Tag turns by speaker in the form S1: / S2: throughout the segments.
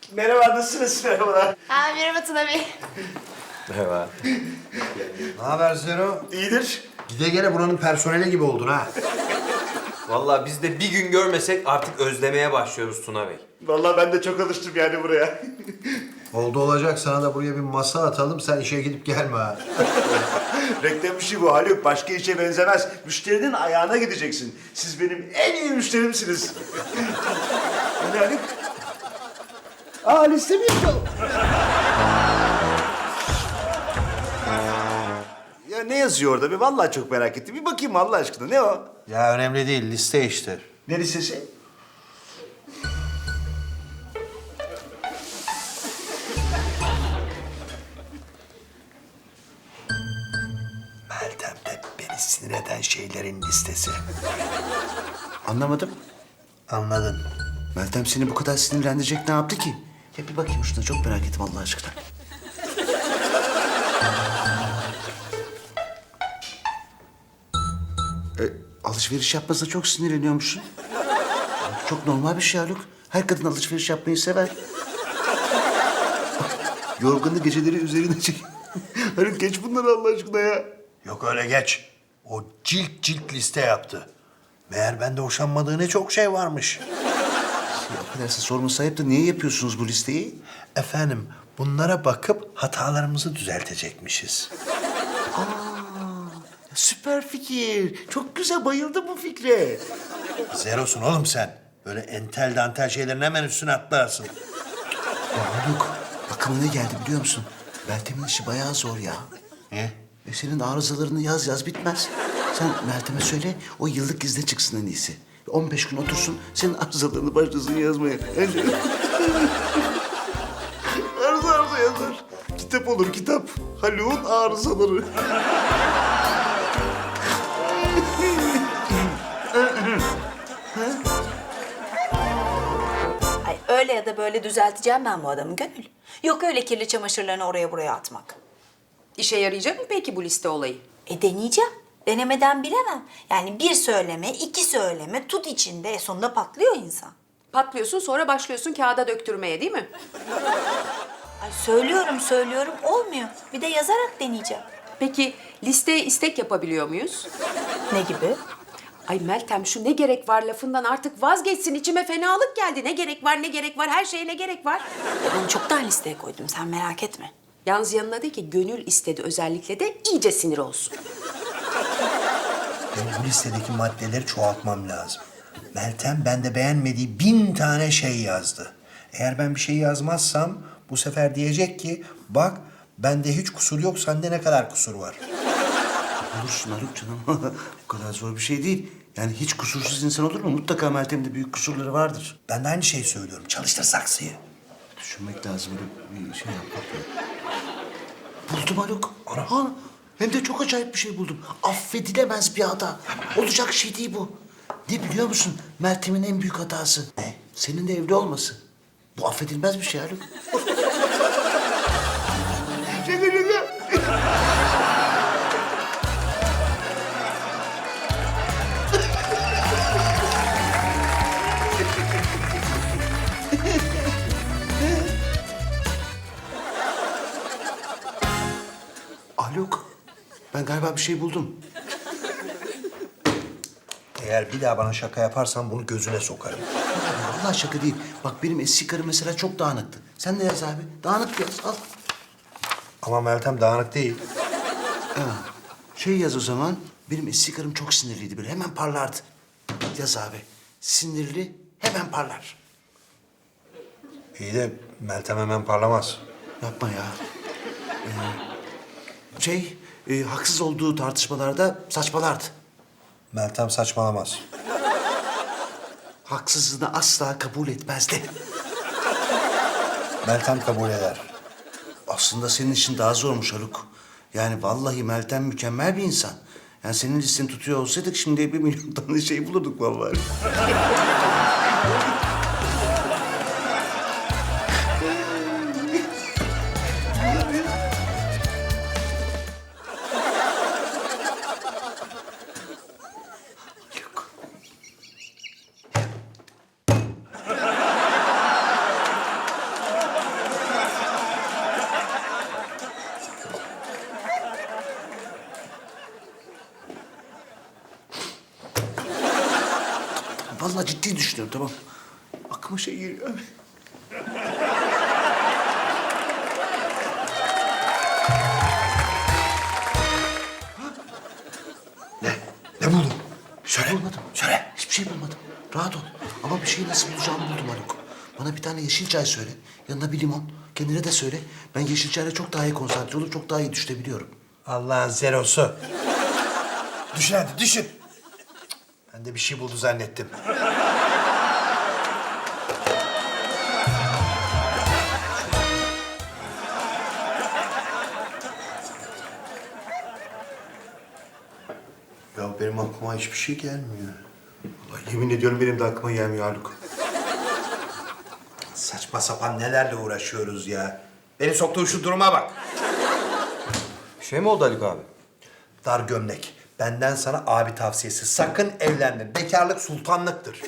S1: Merhaba, nasılsınız? Merhabalar.
S2: Ha, merhaba Tuna Bey.
S3: Merhaba.
S4: Ne haber Zero?
S1: İyidir.
S4: Gide gele buranın personeli gibi oldun ha.
S3: Vallahi biz de bir gün görmesek artık özlemeye başlıyoruz Tuna Bey.
S1: Vallahi ben de çok alıştım yani buraya.
S4: Oldu olacak sana da buraya bir masa atalım sen işe gidip gelme ha.
S1: Reklam işi bu Haluk. Başka işe benzemez. Müşterinin ayağına gideceksin. Siz benim en iyi müşterimsiniz. Yani Haluk? Aa, liste mi yapalım? Ya ne yazıyor orada? Bir vallahi çok merak ettim. Bir bakayım Allah aşkına. Ne o?
S4: Ya önemli değil liste işte.
S1: Ne listesi?
S4: Meltem'de beni sinir eden şeylerin listesi.
S1: Anlamadım.
S4: Anladın.
S1: Meltem seni bu kadar sinirlendirecek ne yaptı ki? Ya bir bakayım şuna, çok merak ettim Allah aşkına. Alışveriş yapmasına çok sinirleniyormuşsun. Çok normal bir şey Haluk. Her kadın alışveriş yapmayı sever. Yorganı geceleri üzerine çek. Haluk geç bunları Allah aşkına ya.
S4: Yok öyle geç. O cilt cilt liste yaptı. Meğer bende hoşlanmadığı ne çok şey varmış.
S1: Affedersin, sorması ayıp da niye yapıyorsunuz bu listeyi?
S4: Efendim bunlara bakıp hatalarımızı düzeltecekmişiz.
S1: Süper fikir. Çok güzel, bayıldım bu fikre.
S4: Zerosun oğlum sen. Böyle entel dantel şeylerin hemen üstüne atlarsın.
S1: Ya Haluk, aklıma ne geldi biliyor musun? Meltem'in işi bayağı zor ya.
S4: Niye?
S1: Senin arızalarını yaz bitmez. Sen Meltem'e söyle, o yıllık izne çıksın en iyisi. 15 gün otursun, senin arızalarını başlasın yazmaya. Arıza yazar. Kitap olur, kitap. Haluk'un arızaları.
S5: Ay öyle ya da böyle düzelteceğim ben bu adamı Gönül. Yok öyle kirli çamaşırlarını oraya buraya atmak.
S6: İşe yarayacak mı peki bu liste olayı?
S5: Deneyeceğim. Denemeden bilemem. Yani bir söyleme, iki söyleme tut içinde. Sonunda patlıyor insan.
S6: Patlıyorsun sonra başlıyorsun kağıda döktürmeye değil mi?
S5: Ay söylüyorum olmuyor. Bir de yazarak deneyeceğim.
S6: Peki listeye istek yapabiliyor muyuz?
S5: Ne gibi?
S6: Ay Meltem şu ne gerek var lafından artık vazgeçsin, içime fenalık geldi. Ne gerek var her şeye ne gerek var?
S5: Ben çoktan listeye koydum sen merak etme.
S6: Yalnız yanına de ki gönül istedi özellikle de iyice sinir olsun.
S4: Benim bu listedeki maddeleri çoğaltmam lazım. Meltem bende beğenmediği 1000 tane şey yazdı. Eğer ben bir şey yazmazsam bu sefer diyecek ki bak bende hiç kusur yok sende ne kadar kusur var.
S1: Olursun Haluk canım. Bu kadar zor bir şey değil. Yani hiç kusursuz insan olur mu? Mutlaka Meltem'de büyük kusurları vardır.
S4: Ben de aynı şeyi söylüyorum. Çalıştır saksıyı.
S1: Düşünmek lazım, böyle bir şey yapmak lazım. Buldum Haluk.
S4: Ana.
S1: Ha, hem de çok acayip bir şey buldum. Affedilemez bir hata. Olacak şey değil bu. Ne biliyor musun? Meltem'in en büyük hatası. Ne? Senin de evli olması. Bu affedilmez bir şey Haluk. Şaka şaka. Haluk, ben galiba bir şey buldum.
S4: Eğer bir daha bana şaka yaparsan bunu gözüne sokarım.
S1: Vallahi şaka değil. Bak benim eski karım mesela çok dağınıktı. Sen ne yaz abi? Dağınık yaz, al.
S4: Ama Meltem dağınık değil.
S1: Ha, şey yaz o zaman. Benim eski karım çok sinirliydi böyle. Hemen parlardı. Yaz abi. Sinirli, hemen parlar.
S4: İyi de Meltem hemen parlamaz.
S1: Yapma ya. Haksız olduğu tartışmalarda saçmalardı.
S4: Meltem saçmalamaz.
S1: Haksızlığını asla kabul etmezdi.
S4: Meltem kabul eder.
S1: Aslında senin için daha zormuş Haluk. Yani vallahi Meltem mükemmel bir insan. Yani senin listeni tutuyor olsaydık şimdi 1 milyon tane şey bulurduk vallahi. Vallahi ciddi düşünüyorum, tamam. Aklıma şey geliyor.
S4: Ne buldun? Söyle.
S1: Bulmadım.
S4: Söyle.
S1: Hiçbir şey bulmadım. Rahat ol. Ama bir şeyi nasıl bulacağımı buldum Haluk. Bana bir tane yeşil çay söyle. Yanına bir limon. Kendine de söyle. Ben yeşil çayla çok daha iyi konsantre olur, çok daha iyi düşünebiliyorum.
S4: Allah'ın zerosu. Düşün hadi düşün. Ben de bir şey buldu zannettim. Ya benim aklıma hiçbir şey gelmiyor.
S1: Vallahi yemin ediyorum benim de aklıma gelmiyor Haluk.
S4: Saçma sapan nelerle uğraşıyoruz ya. Beni soktuğun şu duruma bak.
S3: Bir şey mi oldu Haluk abi?
S4: Dar gömlek. Benden sana abi tavsiyesi. Sakın evlenme. Bekarlık sultanlıktır.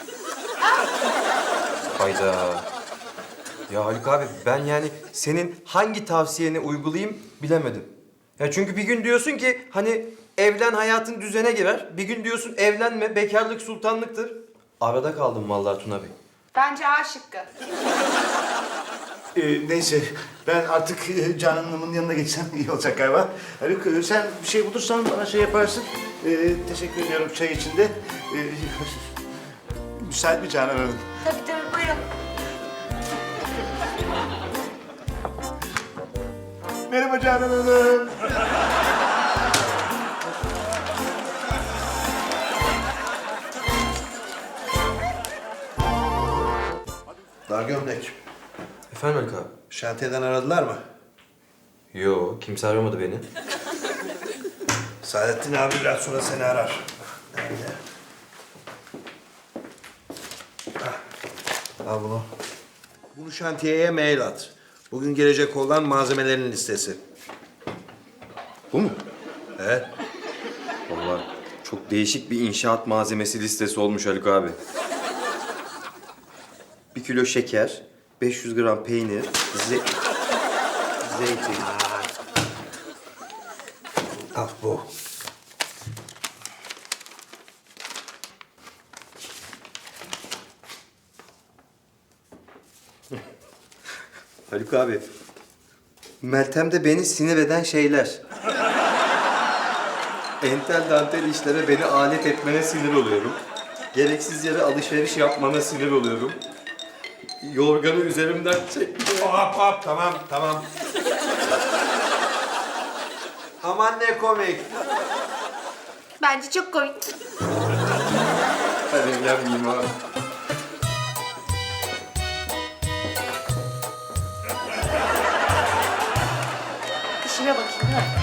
S3: Hayda. Ya Haluk abi ben yani senin hangi tavsiyeni uygulayayım bilemedim. Ya çünkü bir gün diyorsun ki hani evlen hayatın düzene girer. Bir gün diyorsun evlenme bekarlık sultanlıktır. Arada kaldım vallahi Tuna Bey.
S2: Bence A şıkkı.
S1: Neyse, ben artık Canan Hanım'ın yanına geçsem iyi olacak galiba. Haluk, sen bir şey bulursan bana şey yaparsın. Teşekkür ediyorum çay için de. Müsait mi Canan Hanım?
S5: Tabii tabii buyurun.
S1: Merhaba Canan Hanım.
S4: Dar gömlek.
S3: Efendim Haluk abi?
S4: Şantiyeden aradılar mı?
S3: Yo kimse aramadı beni.
S4: Saadettin abi biraz sonra seni arar. Nerede? Hah. Al bunu. Bunu şantiyeye mail at. Bugün gelecek olan malzemelerin listesi.
S3: Bu mu?
S4: Evet.
S3: Vallahi çok değişik bir inşaat malzemesi listesi olmuş Haluk abi. 1 kilo şeker, 500 gram peynir, zeytin.
S4: Al bu.
S3: Haluk abi, Meltem'de beni sinir eden şeyler. Entel dantel işlere beni alet etmene sinir oluyorum. Gereksiz yere alışveriş yapmana sinir oluyorum. Yorganı üzerimden çek.
S4: Hop hop tamam tamam. Aman ne komik.
S2: Bence çok komik.
S3: Ben evlenmeyeyim abi.
S2: İşime bakayım değil mi?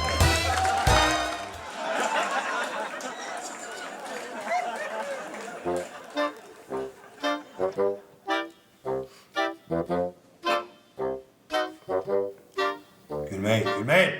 S4: Gülmeyin gülmeyin.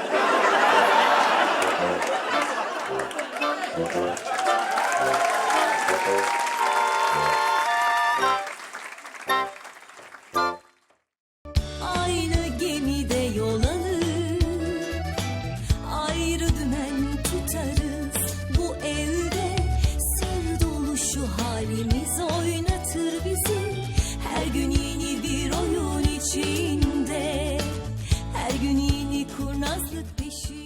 S7: Aynı gemide yol alır, ayrı dümen tutarız. Bu evde sır dolu şu halimiz oynatır bizi. Her gün yeni bir oyun içinde, her gün yeni kurnazlık peşinde.